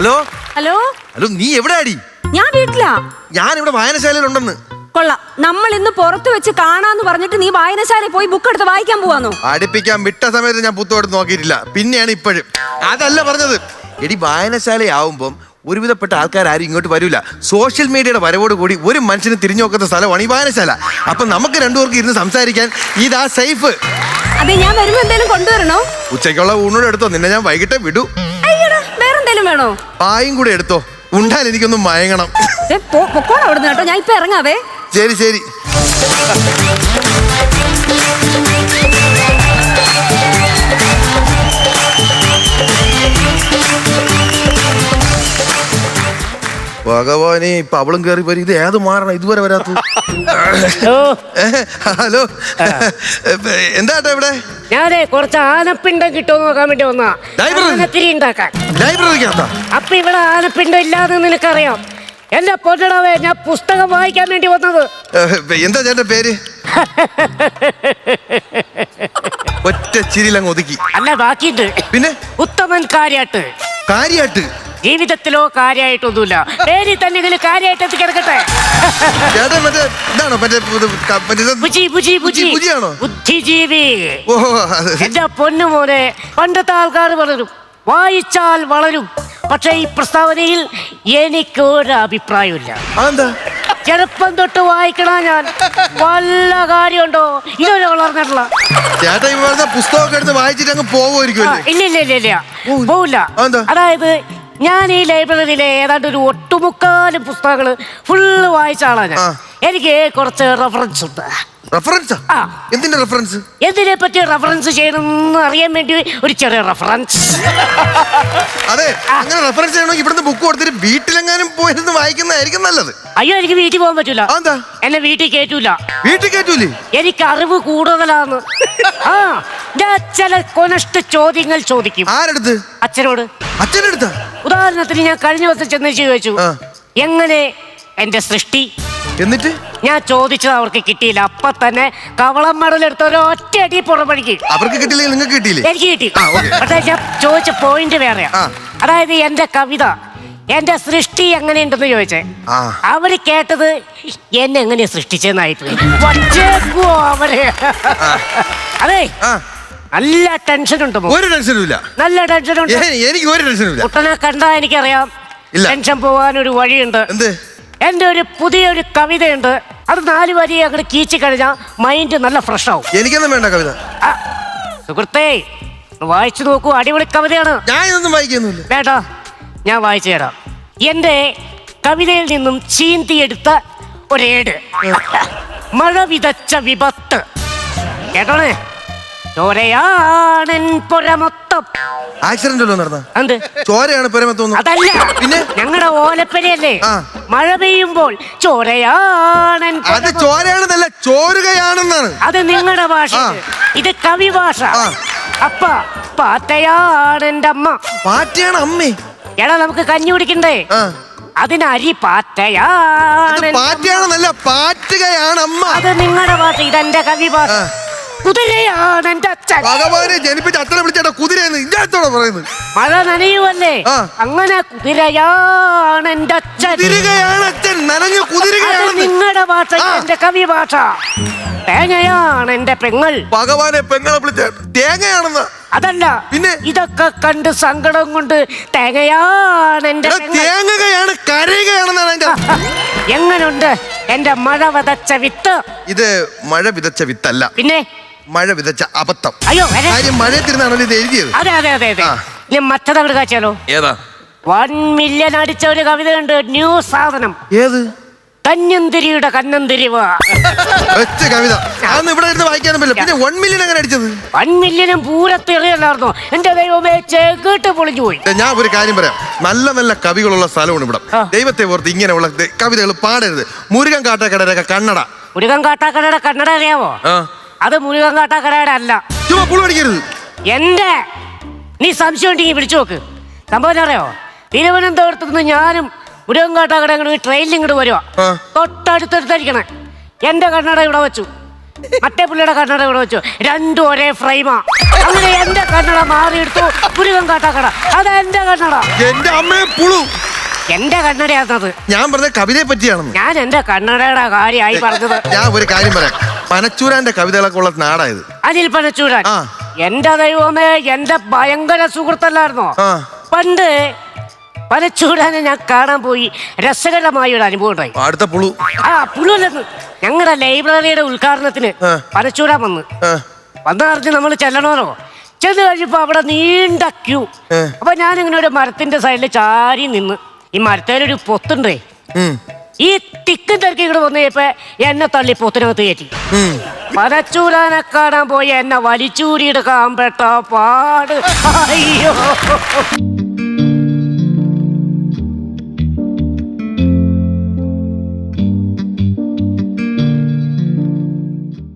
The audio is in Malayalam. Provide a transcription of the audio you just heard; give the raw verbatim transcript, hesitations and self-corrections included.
ഹലോ ഹലോ ഹലോ നീ എവിടെ അടി? ഞാൻ വീട്ടിലാ. ഞാൻ ഇവിടെ വായനശാലയിലുണ്ടെന്ന്. കൊള്ളാം, നമ്മൾ ഇന്ന് പുറത്ത് വെച്ച് കാണാന്ന് പറഞ്ഞിട്ട് നീ വായനശാലയിൽ പോയി ബുക്ക് എടുത്ത് വായിക്കാൻ പോവാന്നോ? അടുപ്പിക്കാൻ വിട്ട സമയത്ത് ഞാൻ പുസ്തകം എടുത്ത് നോക്കിയിട്ടില്ല, പിന്നെയാണ് ഇപ്പോഴും. അതല്ല പറഞ്ഞത്, എടി വായനശാലയാവുമ്പം ഒരുവിധപ്പെട്ട ആൾക്കാർ ആരും ഇങ്ങോട്ട് വരില്ല. സോഷ്യൽ മീഡിയയുടെ വരവോട് കൂടി ഒരു മനുഷ്യന് തിരിഞ്ഞു നോക്കുന്ന സ്ഥലമാണ് ഈ വായനശാല. അപ്പൊ നമുക്ക് രണ്ടുപേർക്ക് ഇരുന്ന് സംസാരിക്കാൻ ഇതാ സേഫ്. അതെ, ഞാൻ വരുമ്പോ എന്തെങ്കിലും കൊണ്ടുവരണോ? ഉച്ചയ്ക്കുള്ള ഊണോട് എടുത്തോ, നിന്നെ ഞാൻ വൈകിട്ട് വിടൂ. അയ്യടാ, വേറെന്തേലും വേണോ? പായും കൂടെ എടുത്തോ, ഉണ്ടാൽ എനിക്കൊന്നും മയങ്ങണം. പൊക്കോണം അവിടുന്ന് കേട്ടോ, ഞാൻ ഇപ്പൊ ഇറങ്ങാവേ. ശരി ശരി. ഭഗവാനെ, ഇപ്പൊ അവളും കയറി വരും. ഇത് ഏത് മാറണം ഇതുവരെ വരാത്ത? ഹലോ, എന്താട്ടാ ഇവിടെ? ഞാനേ കുറച്ച് ആനപ്പിണ്ടം കിട്ടുമെന്ന് നോക്കാൻ വേണ്ടി വന്നാ. ലൈബ്രറി ഉണ്ടാക്കാൻ. ലൈബ്രറിക്കകത്താ? അപ്പൊ ഇവിടെ ആനപ്പിണ്ടം ഇല്ലാതെ നിനക്കറിയാം. എന്റെ പൊന്നടവേ, ഞാൻ പുസ്തകം വായിക്കാൻ വേണ്ടി വന്നത്. എന്താ ചേട്ടന്റെ പേര്? ഒറ്റ ചിരിലങ്ങ് ഒതുക്കി. അല്ല, ബാക്കിയുണ്ട്. പിന്നെ ഉത്തമൻ കാര്യാട്ട്. കാര്യാട്ട്? ജീവിതത്തിലോ കാര്യമായിട്ടൊന്നുമില്ല, പേരിൽ തന്നെ ഇതിൽ കാര്യമായിട്ട് എത്തിക്കിടക്കട്ടെ. ബുദ്ധിജീവി. എന്റെ പൊന്നു മോനെ, പണ്ടത്തെ ആൾക്കാർ വളരും, വായിച്ചാൽ വളരും. പക്ഷെ ഈ പ്രസ്താവനയിൽ എനിക്കൊരു അഭിപ്രായമില്ല. ചെറുപ്പം തൊട്ട് വായിക്കണ ഞാൻ. വല്ല കാര്യമുണ്ടോ? ഇതൊരു വളർന്നിട്ടുള്ള പുസ്തകമൊക്കെ എടുത്ത് വായിച്ചിട്ട് അങ്ങ് പോകുമായിരിക്കും. ഇല്ല ഇല്ല ഇല്ല ഇല്ല, പോവില്ല. അതായത് ഞാൻ ഈ ലൈബ്രറിയിലെ ഏതാണ്ട് ഒരു ഒട്ടുമുക്കാലും പുസ്തകങ്ങള് ഫുള്ള് വായിച്ച ആളാ ഞാൻ. എനിക്ക് കുറച്ച് റെഫറൻസ് ഉണ്ട്. റെഫറൻസ്? എന്തിന്റെ റെഫറൻസ്? എന്തിനെ പറ്റി റെഫറൻസ് ചെയ്യണമെന്ന് അറിയാൻ വേണ്ടി ഒരു ചെറിയ റെഫറൻസ്. അതെ, അങ്ങനെ റെഫറൻസ് ചെയ്യണമെങ്കിൽ ഇവിടുന്ന് ബുക്ക് കൊടുത്തിട്ട് വീട്ടിലെങ്ങാനും പോയിരുന്ന് വായിക്കുന്നതായിരിക്കും നല്ലത്. അയ്യോ, എനിക്ക് വീട്ടിൽ പോകാൻ പറ്റൂല. എന്നെ വീട്ടിൽ കേറ്റൂല. വീട്ടിൽ കേറ്റൂലേ? എനിക്ക് അറിവ് കൂടുതലാന്ന്. ആ, ഞാൻ ചില കൊനഷ്ട ചോദ്യങ്ങൾ ചോദിക്കും. ആരെടുത്ത്? അച്ഛനോട്. അച്ഛനെടുത്ത? ഉദാഹരണത്തിന് ഞാൻ കഴിഞ്ഞ ദിവസം ചെന്ന് ചോദിച്ചു, എങ്ങനെ എന്റെ സൃഷ്ടി? എന്നിട്ട് ഞാൻ ചോദിച്ചത് അവർക്ക് കിട്ടിയില്ല. അപ്പൊ തന്നെ കവളം മടലെടുത്ത ഒരു ഒറ്റ അടി പുറമണിക്ക്. അവർക്ക് കിട്ടിയില്ലേ? നിങ്ങൾക്ക് കിട്ടിയില്ലേ? എനിക്ക് കിട്ടി. പക്ഷേ ഞാൻ ചോദിച്ച പോയിന്റ് വേറെയാ. അതായത് എന്റെ കവിത, എന്റെ സൃഷ്ടി എങ്ങനെയുണ്ടെന്ന് ചോദിച്ചേ. അവര് കേട്ടത് എന്നെ എങ്ങനെയാ സൃഷ്ടിച്ചെന്നായിട്ട് അവര്. അതെ, നല്ല ടെൻഷൻ ഉണ്ട്. ഒരു ടെൻഷനും ഇല്ല. നല്ല ടെൻഷൻ ഉണ്ട്. എനിക്ക് ഒരു ടെൻഷനും ഇല്ല. കുട്ടനെ കണ്ടാ എനിക്കറിയാം ടെൻഷൻ പോവാൻ ഒരു വഴിയുണ്ട്. എന്ത്? എന്റെ ഒരു പുതിയൊരു കവിതയുണ്ട്. അത് നാല് വരി അങ്ങോട്ട് കീച്ചു കഴിഞ്ഞാൽ മൈൻഡ് നല്ല ഫ്രഷ് ആവും. എനിക്കൊന്നും വേണ്ട കവിത. സുഹൃത്തേ, വായിച്ചു നോക്കൂ, അടിപൊളി കവിതയാണ്. ഞാൻ ഇതൊന്നും വായിക്കുന്നില്ല. വേണ്ട, ഞാൻ വായിച്ചു തരാം. എന്റെ കവിതയിൽ നിന്നും ചീന്തിയെടുത്ത ഒരേട്. മഴ വിതച്ച വിപത്ത്. കേട്ടോണേ. ചോരയാണൻ പുരമൊത്തം. ആക്സിഡന്റ് നടന്ന എന്ത് ചോരയാണ് പുരമൊത്തം? അതല്ല, പിന്നെ ഞങ്ങളുടെ ഓലപ്പരയല്ലേ, മഴ പെയ്യുമ്പോൾ ചോരയാണൻ. അത് ചോരയാണെന്നല്ല, ചോരുകയാണെന്നാണ്. അത് നിങ്ങളുടെ ഭാഷ, ഇത് കവി ഭാഷ. അപ്പ പാറ്റയാണ് എന്റെ അമ്മ. പാറ്റയാണ് അമ്മേ? എടാ, നമുക്ക് കഞ്ഞി കുടിക്കണ്ടേ? അതിന് അരി പാറ്റയാണ്. പാറ്റയാണെന്നല്ല, പാറ്റുകയാണ് അമ്മ. അത് നിങ്ങളുടെ ഭാഷ, ഇതെന്റെ കവി ഭാഷ. കുതിരയാണ് എന്റെ അച്ഛൻ. ഭഗവാനെ ജനിപ്പിച്ച അച്ഛനെ വിളിച്ചേട്ടാ കുതിരയെന്ന് ഇല്ലാത്തോടെ പറയുന്നത്. മഴ നനയുവല്ലേ, അങ്ങനെ കുതിരയാണ് എന്റെ അച്ഛൻ. കുതിരയാണ് അച്ഛൻ, നനഞ്ഞു കുതിരയാണ്. നിങ്ങളുടെ ഭാഷ, എന്റെ കവി ഭാഷ. തേങ്ങയാണ് എന്റെ പെങ്ങൾ. ഭഗവാനെ, പെങ്ങളെ വിളിച്ച തേങ്ങയാണെന്ന്? അതല്ല, പിന്നെ ഇതൊക്കെ കണ്ട് സങ്കടം കൊണ്ട് തേങ്ങയാണ് എന്റെ. തേങ്ങയാണ് കരയുകയാണെന്നാണ് എന്റെ. എങ്ങനുണ്ട് എന്റെ മഴ വിതച്ച വിത്ത്? ഇത് മഴ വിതച്ച വിത്തല്ല, പിന്നെ മഴ വിതച്ച അബദ്ധം. അയ്യോ, കാര്യം മഴയത്തിരുന്നാണല്ലോ ഇത് എഴുതിയത്. അതെ അതെ അതെ അതെ. ഞാൻ മറ്റതവിടെ കാച്ചാലോ? ഏതാ? വൺ മില്യൺ അടിച്ച ഒരു കവിതയുണ്ട്, ന്യൂ സാധനം. ഏത്? കഞ്ഞന്തിരിയുടെ കന്നന്തിരിവ്. കവിത ഇവിടെ ഇരുന്ന് വായിക്കാനും പറ്റില്ല. പിന്നെ വൺ മില്യൺ എങ്ങനെ അടിച്ചത്? വൺ മില്യനും പൂരത്തെറിയല്ലായിരുന്നോ? എന്റെ ദൈവമേ, ചേക്കിട്ട് പൊളിഞ്ഞു പോയി. ഞാൻ ഒരു കാര്യം പറയാം, നല്ല നല്ല കവികളുള്ള സ്ഥലമാണ് ഇവിടെ. ദൈവത്തെ ഓർത്ത് ഇങ്ങനെയുള്ള കവിതകൾ പാടരുത്. മുരുകൻ കാട്ടാക്കടയുടെ കന്നഡ. മുരുകൻ കാട്ടാക്കടയുടെ കന്നഡ അറിയാവോ? അത് മുരുകൻ കാട്ടാക്കടയുടെ അല്ല. ചുമ്മാ പുളി പഠിക്കരുത്. എന്റെ നീ സംശയം ഉണ്ടെങ്കിൽ വിളിച്ചു നോക്ക്. സംഭവം അറിയോ? തിരുവനന്തപുരത്ത് നിന്ന് ഞാനും മുരുകൻ കാട്ടാക്കട ട്രെയിനിൽ ഇങ്ങോട്ട് വരുവാ. തൊട്ടടുത്തടുത്തടിക്കണേ. എന്റെ കന്നഡ ഇവിടെ വെച്ചു. മറ്റേ പുള്ളിയുടെ കണ്ണട ഇവിടെ വെച്ചു, രണ്ടും ഒരേ ഫ്രെയിമാ. അങ്ങനെ എന്റെ കണ്ണട മാറിയെടുത്തു പുരുവൻ കാട്ടാക്കട. അതാ എന്റെ കണ്ണട. എന്റെ അമ്മയെ പുളു. എന്റെ കണ്ണടയാണത്. ഞാൻ പറഞ്ഞ കവിതയെ പറ്റിയാണെന്ന്. ഞാൻ എന്റെ കണ്ണടയുടെ കാര്യമായി പറഞ്ഞത്. ഞാൻ ഒരു കാര്യം പറയാം, പനച്ചൂരാന്റെ കവിതകളൊക്കെ ഉള്ള നാടായത്. അനിൽ പനച്ചൂരാൻ ആ. എന്റെ ദൈവമേ, എന്റെ ഭയങ്കര സുഹൃത്തല്ലായിരുന്നോ ആ. പണ്ട്? പനച്ചൂരാനെ ഞാൻ കാണാൻ പോയി, രസകരമായ ഒരു അനുഭവം ഉണ്ടായി. അടുത്ത പുളു. ആ പുള്ളുല്ലെന്ന് ഞങ്ങളുടെ ലൈബ്രറിയുടെ ഉദ്ഘാടനത്തിന് ആ. പനച്ചൂരാൻ വന്ന് ആ. വന്നറിഞ്ഞ് നമ്മൾ ചെല്ലണമല്ലോ. ചെന്ന് കഴിഞ്ഞപ്പോ അവിടെ നീണ്ട ക്യൂ. ഏ. അപ്പൊ ഞാനിങ്ങനെ ഒരു മരത്തിന്റെ സൈഡിൽ ചാരി നിന്ന്, ഈ മരത്തേലൊരു പൊത്തുണ്ടേ, ഉം. ഈ തിക്കും തിരക്കി ഇവിടെ വന്നു കഴിഞ്ഞപ്പോ എന്നെ തള്ളി പൊത്തിനകത്ത് കയറ്റി. ഉം. പനച്ചൂരാനെ കാണാൻ പോയി എന്നെ വലിച്ചൂരിയെടുക്കാൻ പെട്ട പാട്. അയ്യോ.